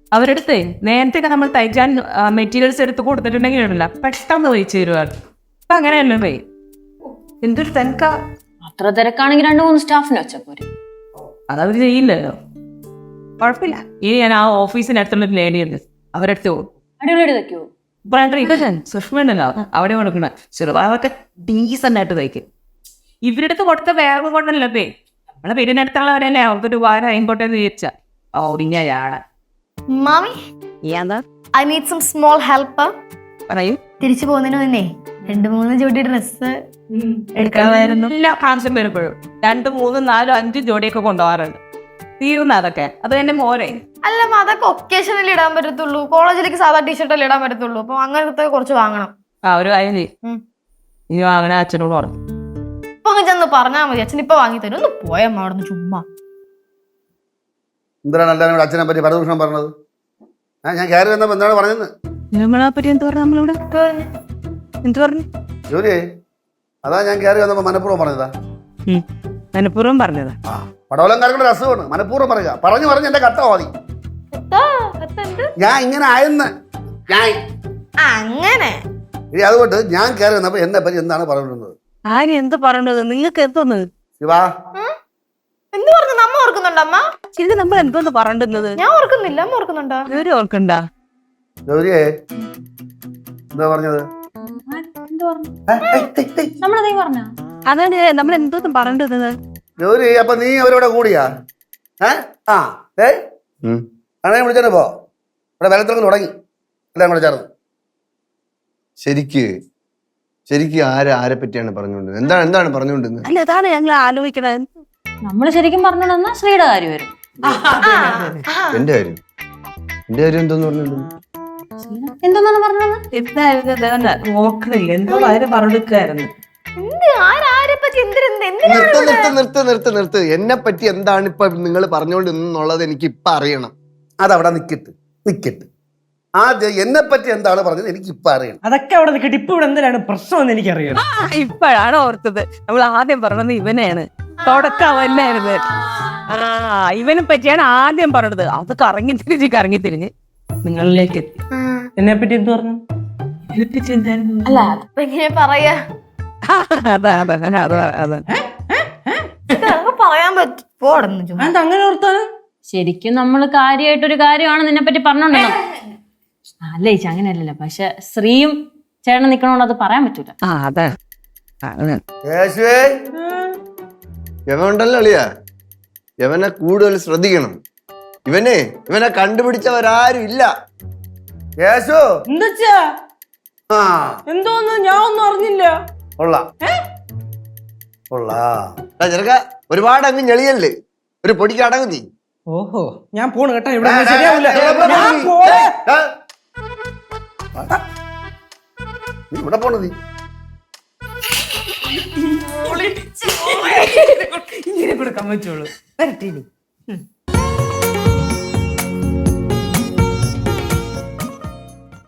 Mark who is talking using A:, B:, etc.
A: അവരെടുത്തേ നേരത്തെ നമ്മൾ തയ്ക്കാൻ മെറ്റീരിയൽസ് എടുത്ത് കൊടുത്തിട്ടുണ്ടെങ്കിലല്ല പെട്ടെന്ന് തയ്ച്ചു തരുവാണ്. അപ്പൊ അങ്ങനെയല്ലേ പോയി എന്തൊരു തിരക്കാ.
B: അത്ര തിരക്കാണെങ്കിൽ 2-3 സ്റ്റാഫിനെ വെച്ചപ്പോരെ.
A: അതവര് ചെയ്യില്ലല്ലോ. കുഴപ്പമില്ല. ഇനി ഞാൻ ആ ഓഫീസിനടുത്തുള്ള ലേഡിയുണ്ട്, അവരെടുത്ത് പോകും.
B: അടിപൊളിയായിട്ട് തയ്ക്കുവോ?
A: സുഷ്മണ്ടല്ലോ അവിടെ കൊടുക്കണ ചെറുപാവൊക്കെ ഡീസന്റ് ആയിട്ട് തയ്ക്കും. ഇവരുടെ അടുത്ത് കൊടുത്ത വേറെ കൊണ്ടല്ലേ നമ്മളെ വീടിനടുത്തുള്ളവരല്ലേ അവർക്കൊരു ഉപകാരം ആയിക്കോട്ടെ എന്ന് വിചാരിച്ച ഓടിഞ്ഞയാണ്.
C: മാമി, I need some small help.
A: പറയൂ.
C: തിരിച്ചു പോകുന്നതിന് മുന്നേ 2-3 ജോഡി ഡ്രസ്
A: എടുക്കാമായിരുന്നു. എല്ലാ ഫാൻസും വരുമ്പോഴും 2, 3, 4, 5 ജോഡിയൊക്കെ കൊണ്ടുപോകാറുണ്ട്. തീർന്ന അതൊക്കെ അത് തന്നെ മോരെ.
C: അല്ല, അതൊക്കെ ഒക്കേഷനിൽ ഇടാൻ പറ്റത്തുള്ളൂ. കോളേജിലേക്ക് സാധാ ടീഷർട്ടല്ലേ ഇടാൻ പറ്റത്തുള്ളൂ. അപ്പൊ അങ്ങനത്തെ കുറച്ച് വാങ്ങണം.
A: ഒരു കാര്യം ചെയ്യും, ഇനി വാങ്ങണ അച്ഛനോട് പറഞ്ഞു.
C: ഇപ്പൊ അങ്ങ് ചെന്ന് പറഞ്ഞാൽ മതി, അച്ഛൻ ഇപ്പൊ വാങ്ങി തരും. ഒന്ന് പോയമ്മ അവിടെ നിന്ന് ചുമ്മാ.
D: എന്തിനാണ് എല്ലാവരും അച്ഛനെ പറ്റി പരദൂഷണം പറഞ്ഞത്? ഞാൻ കയറി വന്നപ്പോ എന്താണ് പറഞ്ഞത്?
A: നമ്മളെ പറ്റി എന്ത് പറഞ്ഞു? നമ്മളിവിടെ എന്ത് പറഞ്ഞു?
D: ജോലിയെ അതാ ഞാൻ കയറി വന്നപ്പോ മനഃപൂർവ്വം പറഞ്ഞതാ.
A: മനഃപൂർവ്വം പറഞ്ഞതാ.
D: പടവലംകാരുടെ ഒരു അസുഖമാണ്, മനഃപൂർവ്വം പറയുക. പറഞ്ഞ് എന്റെ കട്ട മതി. ഞാൻ ഇങ്ങനെ ആയെന്ന് ഞാൻ
C: അങ്ങനെ
D: അതുകൊണ്ട് ഞാൻ കയറി വന്നപ്പോ എന്നെ പറ്റി എന്താണ് പറഞ്ഞിരുന്നത്?
A: ആര് എന്ത് പറഞ്ഞത്? നിങ്ങൾക്ക് എന്തോന്ന്
D: ശിവാ
C: എന്ത് പറഞ്ഞു? നമ്മ ഓർക്കുന്നുണ്ടോ അമ്മ?
A: ഇത് നമ്മൾ എന്തോന്ന് പറഞ്ഞിരുന്നത്?
C: ഞാൻ ഓർക്കുന്നില്ല. അമ്മ ഓർക്കുന്നുണ്ടോ?
A: ഇവര് ഓർക്കണ്ട.
D: ഗൗരിയെ എന്താ പറഞ്ഞത്?
A: അതാണ് നമ്മൾ എന്തോന്ന് പറഞ്ഞിരുന്നത്.
D: ഗൗരി, അപ്പൊ നീ അവരോടെ കൂടിയാ? അണയെ വിളിച്ചോ പോ. ഇവിടെ വെള്ളത്തിൽ തുടങ്ങി എല്ലാം കൂടെ ചേർന്ന്.
E: ശരിക്ക് ആരെ പറ്റിയാണ് പറഞ്ഞുകൊണ്ടിരുന്നത്? എന്താണ് പറഞ്ഞുകൊണ്ടിരുന്നത്?
A: അല്ല, അതാണ് ഞങ്ങൾ ആലോചിക്കണത്.
B: നമ്മള് ശരിക്കും പറഞ്ഞോണ്ടെന്നാ ശ്രീയുടെ കാര്യം വരും.
E: എന്റെ കാര്യം എന്തോന്ന് പറഞ്ഞോണ്ടിരുന്നു?
B: എന്തോന്നാണ് പറഞ്ഞത്?
A: എന്തായിരുന്നു നോക്കണില്ല, എന്തോ കാര്യം പറഞ്ഞിരിക്കായിരുന്നു.
E: നിർത്ത്. എന്നെ പറ്റി എന്താണ് ഇപ്പൊ നിങ്ങൾ പറഞ്ഞുകൊണ്ടിരുന്നുള്ളത് എനിക്ക് ഇപ്പൊ അറിയണം.
D: അതവിടെ നിക്കട്ട്. ആദ്യം എന്നെ പറ്റി എന്താണ് പറഞ്ഞത് എനിക്ക് ഇപ്പൊ അറിയണം.
F: അതൊക്കെ അവിടെ നിൽക്കട്ടെ. ഇപ്പൊ ഇവിടെ എന്തിനാണ് പ്രശ്നം എന്ന് എനിക്കറിയണം.
A: ഇപ്പോഴാണ് ഓർത്തത്. നമ്മൾ ആദ്യം പറഞ്ഞത് ഇവനെയാണ്. തുടക്കമല്ലായിരുന്നു. ഇവനെ പറ്റിയാണ് ആദ്യം പറഞ്ഞത്. അത് കറങ്ങി തിരിഞ്ഞ് നിങ്ങളിലേക്ക് എത്തി.
F: എന്നെ പറ്റി എന്ത് പറഞ്ഞു?
C: അല്ല, എങ്ങനെ പറയാ? പറയാൻ പറ്റും.
F: അങ്ങനെ ഓർത്താണ്.
B: ശരിക്കും നമ്മള് കാര്യമായിട്ടൊരു കാര്യമാണ് നിന്നെ പറ്റി പറഞ്ഞോണ്ടല്ലോ. അല്ല ചേച്ചി, അങ്ങനെയല്ലല്ലോ. പക്ഷെ ശ്രീയും ചേട്ടൻ നിക്കണോണ്ട് അത് പറയാൻ പറ്റൂല.
E: യവനുണ്ടല്ലോ അളിയാ, യവനെ കൂടുതൽ ശ്രദ്ധിക്കണം. ഇവനെ കണ്ടുപിടിച്ചവരാരും ഇല്ല.
F: എന്തോന്ന് ഞാൻ ഒന്നും അറിഞ്ഞില്ല.
E: ചെറുക്ക ഒരുപാട് അങ്ങ് ഞെളിയല്ലേ, ഒരു പൊടിക്ക് അടങ്ങും നീ.
F: ഓഹോ, ഞാൻ പോണു കേട്ടോ. ഇവിടെ ശരിയാവില്ല.
D: ഇവിടെ പോണ നീ
A: ഇങ്ങനെ കൊടുക്കാൻ പറ്റുള്ളൂ. വരട്ടെ.